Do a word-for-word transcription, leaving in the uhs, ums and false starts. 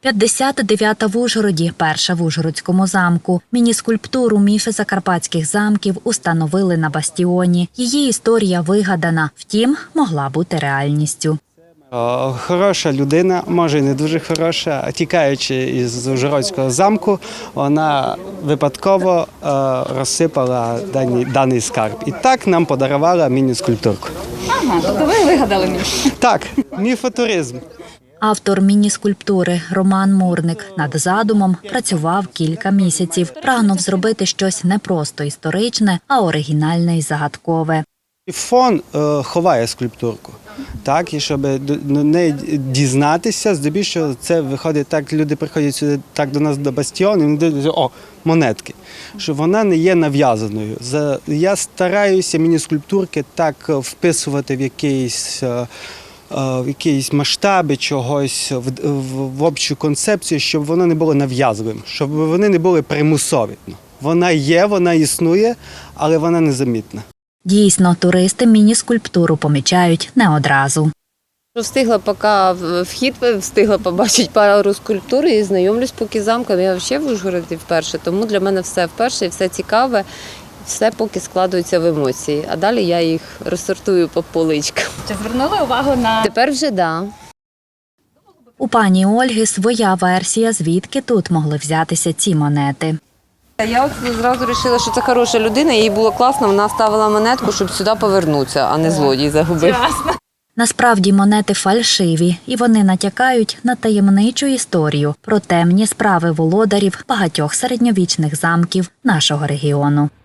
п'ятдесят дев'ята в Ужгороді, перша в Ужгородському замку. Міні-скульптуру «Міфи закарпатських замків» установили на бастіоні. Її історія вигадана, втім, могла бути реальністю. Хороша людина, може і не дуже хороша, тікаючи із Ужгородського замку, вона випадково розсипала даний, даний скарб. І так нам подарувала міні-скульптурку. Ага, тобто ви вигадали міф? Так, міфотуризм. Автор міні-скульптури Роман Мурник над задумом працював кілька місяців. Прагнув зробити щось не просто історичне, а оригінальне і загадкове. Фон е, ховає скульптурку, так, і щоб до неї дізнатися, здебільшого це виходить так, люди приходять сюди так до нас до бастіону, і вони дивляться, о, монетки, що вона не є нав'язаною. Я стараюся міні-скульптурки так вписувати в якийсь в якісь масштаби чогось, в, в, в общу концепцію, щоб воно не було нав'язливим, щоб вони не були примусові. Вона є, вона існує, але вона незамітна. Дійсно, туристи міні-скульптуру помічають не одразу. Встигла поки вхід, встигла побачити пару скульптур і знайомлюсь поки з замком. Я взагалі в Ужгороді вперше, тому для мене все вперше, все цікаве, все поки складується в емоції. А далі я їх розсортую по поличкам. Чи звернули увагу на… Тепер вже да. У пані Ольги своя версія, звідки тут могли взятися ці монети. Я от зразу вирішила, що це хороша людина, їй було класно, вона ставила монетку, щоб сюди повернутися, а не злодій загубив. Насправді монети фальшиві, і вони натякають на таємничу історію про темні справи володарів багатьох середньовічних замків нашого регіону.